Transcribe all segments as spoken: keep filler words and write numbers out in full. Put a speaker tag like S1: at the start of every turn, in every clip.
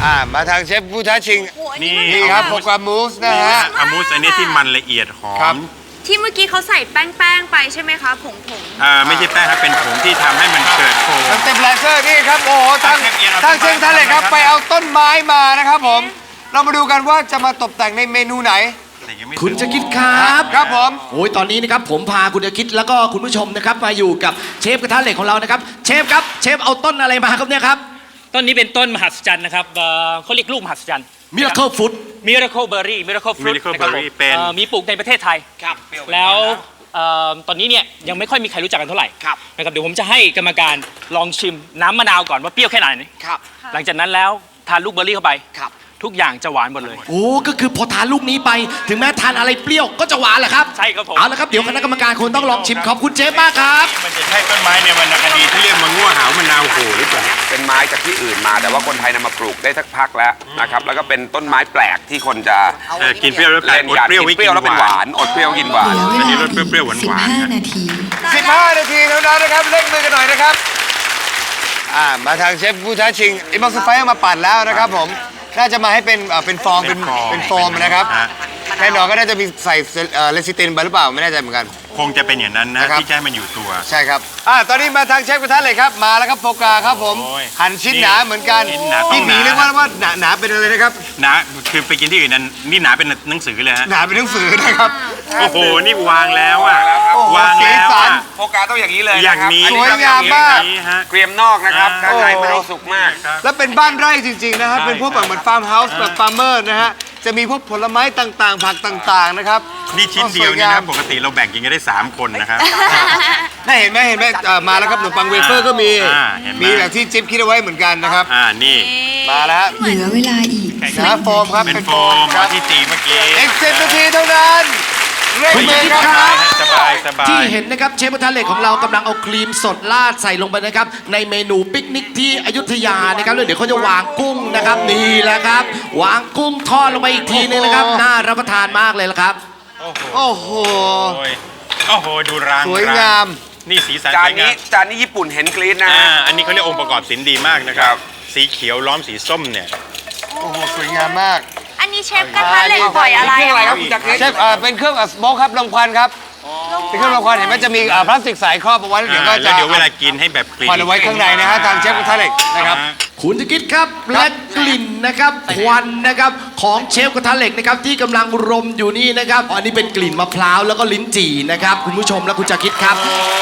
S1: อ่ามาทางเชฟผู้ท้าชิง
S2: นี่
S1: นี่ครับโปรแกรมมูสนะฮะ
S2: อามูสอันนี้ที่มันละเอียดหอ
S1: ครับ
S2: ม
S3: ที่เมื่อกี้เขาใส่แป้งแป้งๆไปใช่ไหมคะผงผง
S2: อ่าไม่ใช่แป้งครับเป็นผงที่ทำให้มันเกิดโฟม
S1: สเต็ปแลเซอร์นี่ครับโอ้โหทาง
S2: เชฟเอียนเอา
S1: ทางเชฟท่านเลยครับ
S2: ต้นไม้
S1: ไปเอาต้นไม้มานะครับผม เรามาดูกันว่าจะมาตกแต่งในเมนูไหน
S2: แต่ยังไม่
S4: คุณจะคิดครับ
S1: ครับผม
S4: โอ้ยตอนนี้นะครับผมพาคุณจะคิดแล้วก็คุณผู้ชมนะครับมาอยู่กับเชฟกระทะเหล็กของเรานะครับเชฟครับเชฟเอาต้นอะไรมาครับเนี่ยครับ
S5: ต้นนี้เป็นต้นมหัศจรรย์นะครับเอ่อเขาเรียกลูกมหัศจรรย์
S4: Miracle Fruit
S5: Miracle Berry Miracle Fruit
S2: Miracle
S5: นะครับผม
S2: Berry เป็น
S5: เอ่อมีปลูกในประเทศไทยแล้วเอ่อตอนนี้เนี่ยยังไม่ค่อยมีใครรู้จักกันเท่าไหร่นะครับเดี๋ยวผมจะให้กรรมการลองชิมน้ำมะนาวก่อนว่าเปรี้ยวแค่ไหนหลังจากนั้นแล้วทานลูกเบอร์รี่เข้าไปทุกอย่างจะหวานหมดเลย
S4: โอ้ก็คือพอทานลูกนี้ไป ถึงแม้ทานอะไรเปรี้ยวก็จะหวานแหละครับ
S5: ใช่ครับผม
S4: เอาละครับเดี๋ยวคณะกรรมการคงต้องลองชิมขอบคุณเชฟมากครับ
S2: มันจะใช่ต้นไม้ในวรรณคดีที่เรียกมะง่วหาวมะนาวโหหรือเปล่า
S6: เป็นไม้จากที่อื่นมาแต่ว่าคนไทยนำมาปลูกได้สักพักแล้วนะครับแล้วก็เป็นต้นไม้แปลกที่คนจะ
S2: เออกินเปรี้ยวแล้วแปลก
S6: เล่น
S2: อด
S6: กัน
S2: เปรี้ยว
S6: กิน
S2: ไม่
S6: เปรี้ยวแล้วเป็นหวานอดเปรี้ยวกินหวาน
S2: อันนี้รสเปรี้ยวๆหวาน
S7: สิบ
S2: ๆ
S7: ห้า
S2: นะ
S7: นาที
S1: สิบห้านาทีเท่านั้นนะครับเร่งมือกันหน่อยนะครับอ่ามาทางเชฟผู้ท้าชิงอิมอสไฟเอามาปั่นแล้วนะครับผมน่าจะมาให้เป็นเอ่อเป็นฟองเป็นเป็นโฟมนะครับแน่นอนก็น่าจะมีใส่เลซิตินไปหรือเปล่าไม่แน่ใจเหมือนกัน
S2: คงจะเป็นอย่างนั้นนะ
S1: นะครับ
S2: ที่จะให้มันอยู่ตัว
S1: ใช่ครับอ่าตอนนี้มาทางเชฟกระทะเหล็กครับมาแล้วครับโฟกาครับผม
S2: โอ้ย
S1: หั่นชิ้นหนาเหมือนกัน
S2: ชิ้นหนา
S1: พี่หมี
S2: ต้องหนา
S1: เรียกว่าว่าหนาหนาเป็นอะไรนะครับ
S2: หนาคือไปกินที่อื่นนั้นนี่หนาเป็นหนังสือเลยฮะ
S1: หนาเป็นหนังสือนะครับ
S2: โอ้โหนี่วางแล้วอ่ะ
S1: โอ้โห
S2: วางแล้ว
S1: สีสั
S2: อ่ะ
S1: น
S6: โฟกาต้องอย่างนี้เลย
S2: อย่าง
S6: นะครับ
S2: นี้
S6: อั
S1: สวยงามมาก
S2: อย่างนี้ฮะ
S6: เกรียมนอกนะครับ
S2: อ่า
S6: ข้างในไม่ได้สุกมาก
S1: แล้วเป็นบ้านไร่จริง ๆ นะครับ
S2: ใช่
S1: เป็นพวกแบบเหมือนฟาร์มเฮาส์แบบฟาร์มเมอร์นะฮะ จะมีพวกผลไม้ต่างๆ ผักต่างๆ นะครับ
S2: นี่ชิ้นเดียวนี่นะปกติเราแบ่งกินกันได้สามคนนะครับ
S1: น่าเห็นไหมเห็นไหมเอ่อมาแล้วครับขนมปังเวเฟอร์ก็มี
S2: อ่าเห็นไหม
S1: มีแบบที่จิ๊บคิดเอาไว้เหมือนกันนะครับ
S2: อ่านี่
S1: มาแล้วฮะ
S7: เหลือเวลาอีก
S1: นะโฟมครับ
S2: เป็น
S1: เป็น
S2: โฟ
S1: โฟม
S2: ม
S1: ครับ
S2: ที่ตีเมื่อกี้
S1: อีกสิบนาทีเท่านั้นเร่ง
S4: คุณ
S1: มื
S4: จะ
S1: อ
S4: คิด
S1: ครับ
S4: ครับ
S2: สบายสบาย
S4: ที่เห็นนะครับเชฟกระทะเหล็กของเรากำลังเอาครีมสดราดใส่ลงไปนะครับในเมนูปิกนิกที่อยุธยานะครับแล้วเดี๋ยวเขาจะวางกุ้งนะครับนี่แหละครับ วางกุ้งทอดลงไปอีกทีนึงนะครับน่ารับประทานมากเลยละครับ
S1: โอ้โห
S2: โอ้ยโอ้โหดูราง
S1: สวยงาม
S2: นี่สีสัน
S6: จา
S2: ส
S6: น
S2: วย
S6: นี้
S2: งาม
S6: จานนี้ญี่ปุ่นเห็นกรี๊ดนะ
S2: อ่า
S6: ฮะ
S2: อันนี้เขาเรียกองค์ประกอบศิลป์ดีมากนะครับ สีเขียวล้อมสีส้มเนี่ย
S1: โอ้โห สวยงามมาก
S3: อันนี้เชฟกระทะเหล็กปล่อยอะไร
S6: เครื่องอะไร
S3: อะ
S6: ครับคุณจักร
S1: เชฟเอ่อเป็นเครื่องสโมกครับลงควันครับเป็นเครื่องลงควันเห็นไหมจะมีเอ่อพลาสติกใสครอบเอาไว้แล้วเดี๋ยวก็
S2: อ่า
S1: จะ
S2: แล้วเดี๋ยวเวลากินให้แบบกลิ่น
S1: ควันเอาไว้ข้างในนะฮะทางเชฟกระทะเหล็กนะครับ
S2: อ่า
S4: คุณจะคิดครับและกลิ่นนะครับควันนะครับของเชฟกระทะเหล็กนะครับที่กำลังรมอยู่นี่นะครับอันนี้เป็นกลิ่นมะพร้าวแล้วก็ลิ้นจี่นะครับคุณผู้ชมและคุณจะคิดครับ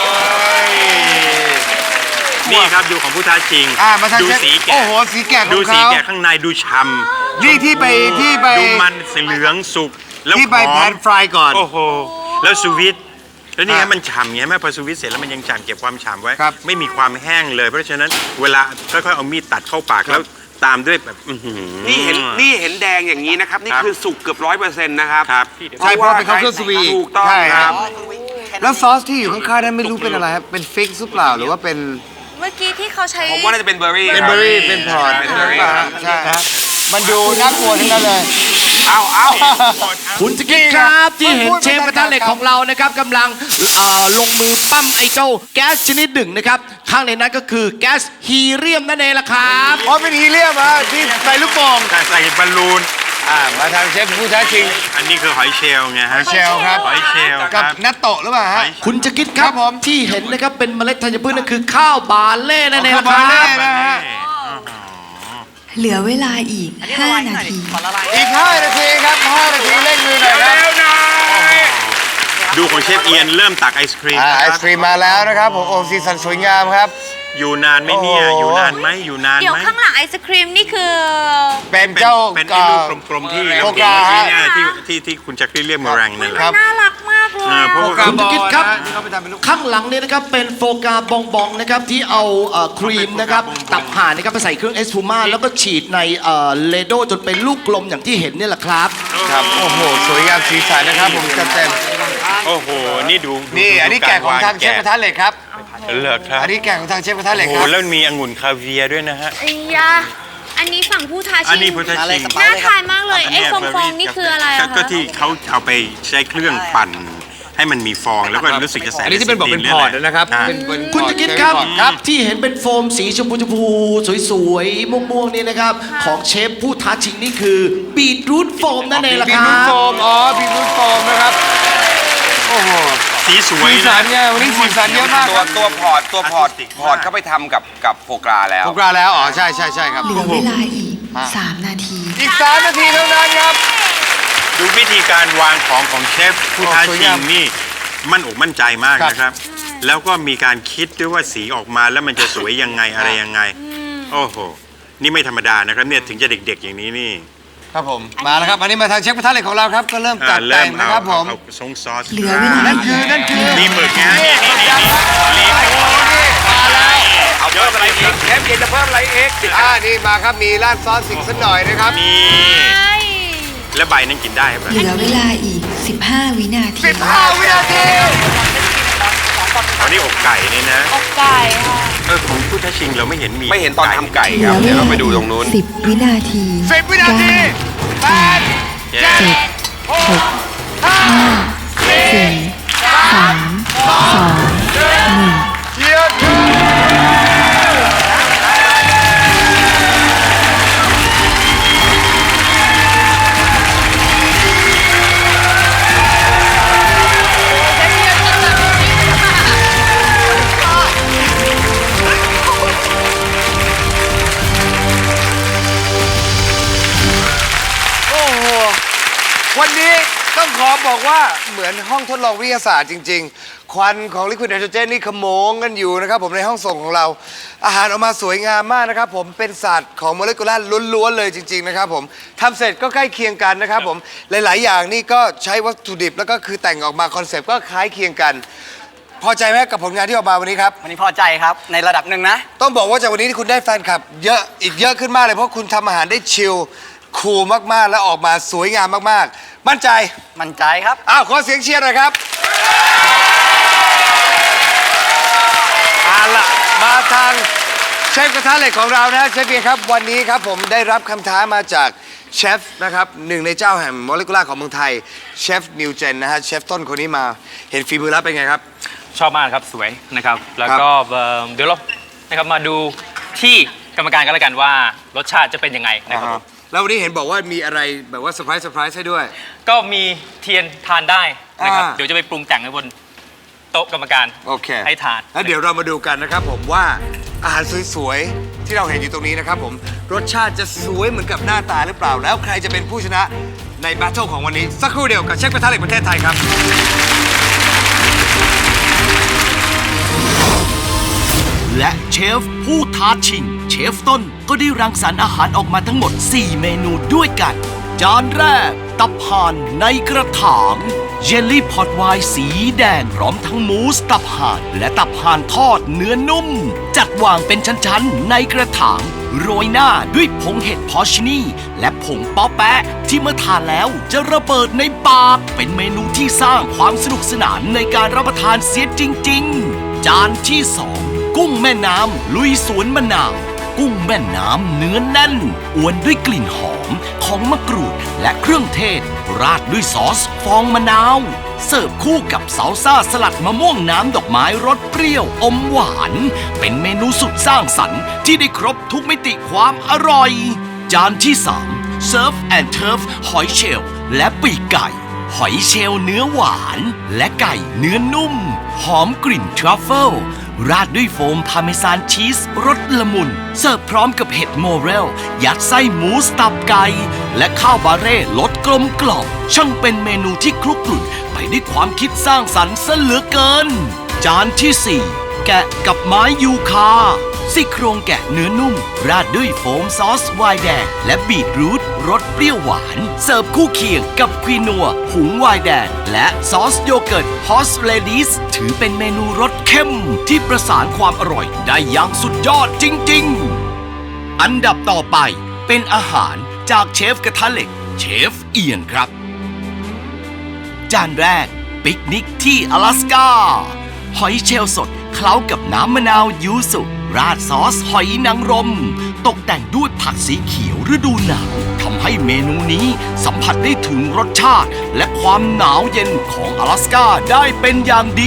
S2: นี่ครับดูของผู้ท้าชิง
S1: อ่ามาทาง
S2: ดู
S1: เชฟ
S2: สีแกะ
S1: โอ้โหสีแกะข
S2: ดู
S1: อง
S2: สี
S1: เขา
S2: แกะข้างในดูช่ำ
S1: นี่ที่ไปที่ไป
S2: ดูมันสีเหลืองสุกแล้ว
S1: ที่ไป
S2: หอม
S1: แพนฟรายก่อน
S2: โอ้โหแล้วสวิตแล้วนี่
S1: อ่ะ
S2: ฮะมันฉ่ำไงแม่พอสวิตเสร็จแล้วมันยังฉ่ำเก็บความฉ่ำไว้
S1: ครับ
S2: ไม่มีความแห้งเลย เพราะฉะนั้นเวลาค่อยๆเอามีดตัดเข้าปากแล้วตามด้วยแบบอื้อหือ
S6: นี่เห็นนี่เห็นแดงอย่างนี้นะครับนี่
S2: ครับ
S6: คือสุกเกือบร้อยเปอร์เซ็นต์นะครับ
S2: ครับ
S1: ใช่เพราะเป็นข้าวเครื่องสวีท
S6: ถูกต้อง
S1: ใช่
S6: ค
S1: ค
S6: รั
S1: รับ บ แล้วซอสที่อยู่ข้างๆนั้นไม่รู้เป็นอะไรครับ เป็นฟิกซ์หรือเปล่าหรือว่าเป็น
S3: เมื่อกี้ที่เขาใช้
S6: ผมว่าน่าจะเป็นเบอร์รี่
S1: เป็นเบอร์รี่ เป็นพอร์ต
S6: เป็นเบอร์รี่
S1: ใช่ฮะมันดูน่ากลัวทั้งนั้นเลย
S6: เอาเอา
S4: คุณจะคิดครับที่เห็นเชฟกระทะเหล็กของเรานะครับกำลังเอ่อลงมือปั้มไอเจ้าแก๊สชนิดหนึ่งนะครับข้างในนั้นก็คือแก๊สฮีเลียมนั่นเองล่ะครับ
S1: อ๋อเป็นฮีเลียมฮะที่ใส่ลูกโป่ง
S2: แต่ใส่บอลลูน
S1: อ่ามาทางเชฟผู้ท้าชิง
S2: อันนี้คือหอยเชลล์ไงฮะ
S1: เชลครับ
S2: หอยเชลล์ค
S1: กับ
S2: รับ
S1: นัตโตะหรือเปล่าฮะ
S4: คุณจะคิดครั
S1: ครับ บผม
S4: ที่เห็นนะครับเป็นเมล็ดธัญพืชนั่นคือข้าวบาเล่นั่นเองล่ะค
S1: ข้าวบาเล่
S4: รับ
S1: นะฮะ
S7: เหลือเวลาอีก ห้า นาที
S1: อีกห้านาทีครับห้านาทีเร่งมือหน่อยครับ
S2: ดูของเชฟเอียนเริ่มตักไอศครีม
S1: อ่า
S2: นะ
S1: ไอ
S2: ค
S1: ศ
S2: รับ
S1: ครีมมาแล้วนะครับผมโอ้สีสันสวยงามครับ
S2: อยู่นานไหมเนี่ย
S1: โอ้โห
S2: อยู่นานไหมอยู่นาน
S3: เดี๋ยว
S2: ไหม
S3: ข้างหลังไอศครีมนี่คือ
S1: เป็น
S2: เป็น
S1: เจ้า
S2: เป็นไอ้ลูกกลมๆที่
S1: โฟ
S2: เรากิน
S1: กา
S2: เมื่อกี้
S1: ฮะ
S2: เนี่ยที่ที่ที่คุณจักรีเรียกมะแรงนั่นแหละ
S1: ครับ
S3: น่ารักมากเลย
S2: อ่า
S3: อะ
S2: เพราะ
S1: โฟ
S2: ว่า
S1: กา
S4: คุณ
S1: บอ
S4: จะ
S1: ล
S4: คิดครับ
S1: นะที่เขาไปทำเป็นลูก
S4: ข้างหลังเนี่ยนะครับเป็นโฟกาบองบองนะครับที่เอาเอ่อครีมนะครับตับห่านนะครับไปใส่เครื่องเอสพูม่าแล้วก็ฉีดในเอ่อเลโดจนเป็นลูกกลมอย่างที่เห็นเนี่ยแหละครับ
S1: ครับโอ้โหสวยงามสีสันนะครับผมจัดเต็ม
S2: โอ้โหนี่ดู
S1: นี่
S2: ดู
S1: อันนี้แกะของทางเชฟกระทะเหล็กครับ
S2: เหลือครับ
S1: อันนี้แกะของทางเชฟกระทะเหล็
S2: โอ้
S1: ก
S2: โห
S1: ครับ
S2: แล้วมีองุ่นคาเวียร์ด้วยนะฮะ
S3: ไอ้ยาอันนี้ฝั่งผู้ท้า
S2: อัน
S3: ชิ
S2: นี้
S3: ง
S2: พุทธชิง
S3: น่าทานมากเลย
S2: น
S3: ไอ้
S2: เนี้ย
S3: ฟองๆนี่คืออะไร
S2: ก็
S3: อะ
S2: ก็
S3: คะ
S2: ที่เขาเอาไปใช้เครื่องปั่นให้มันมีฟองแล้วก็รู้สึกจะใส่
S1: อันนี้ที่เป็นบอกเป็นพอร์ตนะครับ
S2: อ่า
S1: เป็นเป็น
S4: คุณจะคิดครับ
S1: พอร์ตครับ
S4: ที่เห็นเป็นโฟมสีชมพูชมพูสวยๆม่วงๆนี่นะครับ ของเชฟผู้ท้าชิงนี่คือบีทรูทโฟมนั่นเองล่ะ
S1: บี
S4: ค
S1: ทรู
S4: รั
S1: ทโฟ
S4: บ
S1: มอ๋อบีทรูทโฟมนะครับโอ้โห
S2: สีสวย
S1: สีสันเนี่ยวันนี้สีสันเยอะมาก
S6: ตั
S1: คว รับ
S6: ตัวพอร์ตตัวพอร์ต
S2: อาร์ติสติก
S6: พอร์ต
S2: มาก
S6: เข้าไปทำกับกับโฟกราแล้ว
S1: โปรกราแล้วอ๋อใช่ใช่ใช่ครับ
S7: เหลือเวลาอีก สาม นาที
S1: อีกสามนาทีเท่านั้นครับ
S2: ดูวิธีการวางของของเชฟผู้ท้า
S1: สวย
S2: ชิ
S1: งาง ม
S2: นี่มั่นอกมั่นใจมาก
S1: ครับ
S2: นะครับ แล้วก็มีการคิดด้วยว่าสีออกมาแล้วมันจะสวยยังไงอะไรยังไง โอ้โห นี่ไม่ธรรมดานะครับเนี่ยถึงจะเด็กๆอย่างนี้นี่
S1: ครับผมมาแล้วครับอันนี้มาทางเชฟกระทะเหล็กของเราครับก็เริ่ม
S2: อ่า
S1: จัด
S2: เริ่
S1: แต่
S2: ม
S1: ง
S2: เอา
S1: นะครับผม
S2: เอาเอาซงซอส
S7: เหลือเวลา
S1: นั่นคือนั่นคือ
S2: มีหมึกนะนี่นี่นี่
S1: มาแล้ว
S6: เอาเพิ่มอะไรอีกเชฟเย็นจะเพิ่มอะไรอีก
S1: อ่านี่มาครับมีราดซอสสิกสักหน่อยนะครับ
S2: นี่แล้วใบนั้นกินได้ไหม
S7: เหลือเวลาอีก สิบห้า วินาที
S1: สิบห้าวินาที
S2: อันนี้อกไก่นี่นะ
S3: อกไก่ค่ะ
S2: เออของผู้ท้าชิงเราไม่เห็นมี
S6: ไม่เห็นตอนทำไก่
S7: เห
S6: ค
S7: ลื
S6: รับ
S7: อเว
S6: เดี๋ยว
S7: ลา
S6: เราไปดูตรงนู้น
S7: สิบ วินาที
S1: สิบวินาทีแปด
S2: เย้
S7: เจ็ดหกห้าสี่สามสองหนึ่ง
S1: เชียร์ โอ้โห วันนี้ต้องขอบอกว่าเหมือนห้องทดลองวิทยาศาสตร์จริง ๆ ควันของลิควิดไนโตรเจนนี่ขโมงกันอยู่นะครับผมในห้องส่งของเรา อาหารออกมาสวยงามมากนะครับผมเป็นศาสตร์ของโมเลกุลาร์ล้วนๆเลยจริง ๆ นะครับผมทำเสร็จก็ใกล้เคียงกันนะครับผมหลาย ๆ อย่างนี่ก็ใช้วัตถุดิบแล้วก็คือแต่งออกมาคอนเซปต์ก็คล้ายเคียงกัน พอใจไหมกับผลงานที่ออกมาวันนี้ครับ
S8: วันนี้พอใจครับในระดับหนึ่งนะ
S1: ต้องบอกว่าจากวันนี้ที่คุณได้แฟนคลับเยอะอีกเยอะขึ้นมากเลยเพราะคุณทำอาหารได้ชิลคูลมากๆ และออกมาสวยงามมากๆ มั่นใจ
S8: มั่นใจครับ
S1: อ้าวขอเสียงเชียร์หน่อยครับเอาล่ะมาทางเชฟกระทะเหล็กของเรานะฮะเชฟเบียร์ครับวันนี้ครับผมได้รับคำท้ามาจากเชฟนะครับหนึ่งในเจ้าแห่งโมเลกุลาร์ของเมืองไทยเชฟนิวเจนนะฮะเชฟต้นคนนี้มาเห็นฝีมือแล้วเป็นไงครับ
S5: ชอบมากครับสวยนะครับ แล้วก็เอ่อเดี๋ยวเรานะครับมาดูที่กรรมการกันแล้วกันว่ารสชาติจะเป็นยังไงนะครับผม
S1: แล้ววันนี้เห็นบอกว่ามีอะไรแบบว่าเซอร์ไพรส์เซอร์ไพรส์ให้ด้วย
S5: ก็มีเทียนทานได้นะครับ
S1: อ่า
S5: เดี๋ยวจะไปปรุงแต่งให้บนโต๊ะกรรมการ
S1: โอเค
S5: ให้ทาน
S1: แล้วเดี๋ยวเรามาดูกันนะครับผมว่าอาหารสวยๆ ที่เราเห็นอยู่ตรงนี้นะครับผมรสชาติจะสวยเหมือนกับหน้าตาหรือเปล่า แล้วใครจะเป็นผู้ชนะในแบทเทิลของวันนี้ สักครู่เดียวกับเชฟกระทะเหล็กประเทศไทยครับ
S9: และเชฟผู้ท้าชิง เชฟต้นก็ได้รังสรรค์อาหารออกมาทั้งหมด สี่ เมนูด้วยกัน จานแรก ตับห่านในกระถาง เยลลี่พอตไวน์สีแดงพร้อมทั้งมูสตับห่าน และตับห่านทอดเนื้อนุ่ม จัดวางเป็นชั้นๆ ในกระถาง โรยหน้าด้วยผงเห็ดพอชนีและผงป๊อแปะที่เมื่อทานแล้วจะระเบิดในปาก เป็นเมนูที่สร้างความสนุกสนานในการรับประทานเสียจริงๆ จานที่สอง กุ้งแม่น้ำลุยสวนมะนาว กุ้งแม่น้ำเนื้อแน่นอวนด้วยกลิ่นหอมของมะกรูดและเครื่องเทศ ราดด้วยซอสฟองมะนาว เสิร์ฟคู่กับซาลซ่าสลัดมะม่วงน้ำดอกไม้รสเปรี้ยวอมหวาน เป็นเมนูสุดสร้างสรรค์ที่ได้ครบทุกมิติความอร่อย จานที่สามเซิร์ฟแอนด์เทิร์ฟหอยเชลล์และปีกไก่ หอยเชลล์เนื้อหวาน และไก่เนื้อนุ่ม หอมกลิ่นทรัฟเฟิลราดด้วยโฟมพาเมซานชีสรสละมุน เสิร์ฟพร้อมกับเห็ดโมเรล ยัดไส้หมูสตับไก่ และข้าวบาเร่รสกลมกล่อมช่างเป็นเมนูที่คลุกคลุ่นไปด้วยความคิดสร้างสรรค์ซะเหลือเกิน จานที่สี่แกะกับไม้ยูคา ซี่โครงแกะเนื้อนุ่ม ราดด้วยโฟมซอสไวน์แดงและบีทรูทรสเปรี้ยวหวาน เสิร์ฟคู่เคียงกับควีนัวหุงไวน์แดงและซอสโยเกิร์ตฮอสเลดิสถือเป็นเมนูรสเข้มที่ประสานความอร่อยได้อย่างสุดยอดจริงๆ อันดับต่อไปเป็นอาหารจากเชฟกระทะเหล็กเชฟเอียนครับ จานแรกปิกนิกที่阿拉斯ก้าหอยเชลล์สดเคล้ากับน้ำมะนาวยูสุราดซอสหอยนางรมตกแต่งด้วยผักสีเขียวฤดูหนาวทำให้เมนูนี้สัมผัสได้ถึงรสชาติและความหนาวเย็นของ阿拉斯ก้าได้เป็นอย่างดี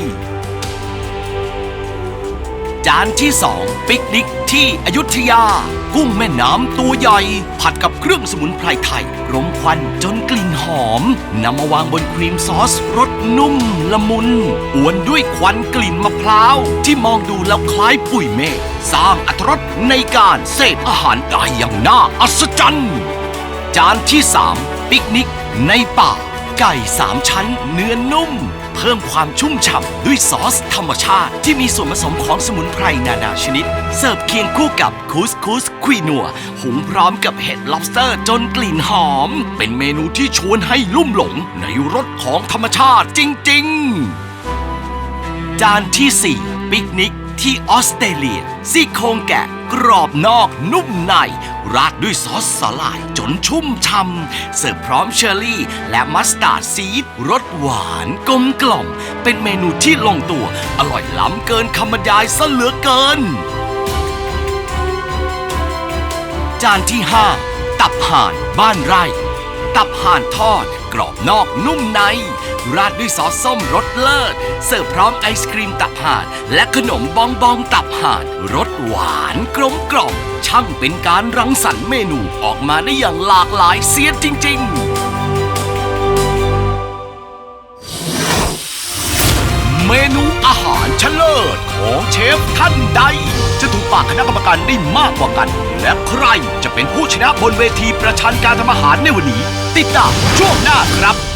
S9: จานที่สองปิกนิกที่อยุธยา กุ้งแม่น้ำตัวใหญ่ ผัดกับเครื่องสมุนไพรไทยรมควันจนกลิ่นหอมนำมาวางบนครีมซอสรสนุ่มละมุนอวนด้วยควันกลิ่นมะพร้าวที่มองดูแล้วคล้ายปุยเมฆสร้างอรรถรสในการเสพอาหารได้อย่างน่าอัศจรรย์จานที่สามปิกนิกในป่า ไก่สามชั้นเนื้อนุ่ม เพิ่มความชุ่มฉ่ำด้วยซอสธรรมชาติที่มีส่วนผสมของสมุนไพรนานาชนิด เสิร์ฟเคียงคู่กับคูสคูสควีนัวหุงพร้อมกับเห็ด lobster จนกลิ่นหอม เป็นเมนูที่ชวนให้ลุ่มหลงในรสของธรรมชาติจริงๆ จานที่สี่ปิกนิกที่ออสเตรเลียซี่โครงแกะกรอบนอกนุ่มในราดด้วยซอสสาหร่ายจนชุ่มฉ่ำเสิร์ฟพร้อมเชอร์รี่และมัสตาร์ดซีดรสหวานกลมกล่อมเป็นเมนูที่ลงตัวอร่อยล้ำเกินคำบรรยายซะเหลือเกิน จานที่ห้าตับห่านบ้านไร่ ตับห่านทอดกรอบนอกนุ่มในราดด้วยซอสส้มรสเลิศเสิร์ฟพร้อมไอศครีมตับห่านและขนมบองบองตับห่านรสหวานกลมกล่อมช่างเป็นการรังสรรค์เมนูออกมาได้อย่างหลากหลายเสียจริงๆ เมนูอาหารเฉลิศของเชฟท่านใดจะถูกปากคณะกรรมการได้มากกว่ากันและใครจะเป็นผู้ชนะบนเวทีประชันการทำอาหารในวันนี้ติดตามช่วงหน้าครับ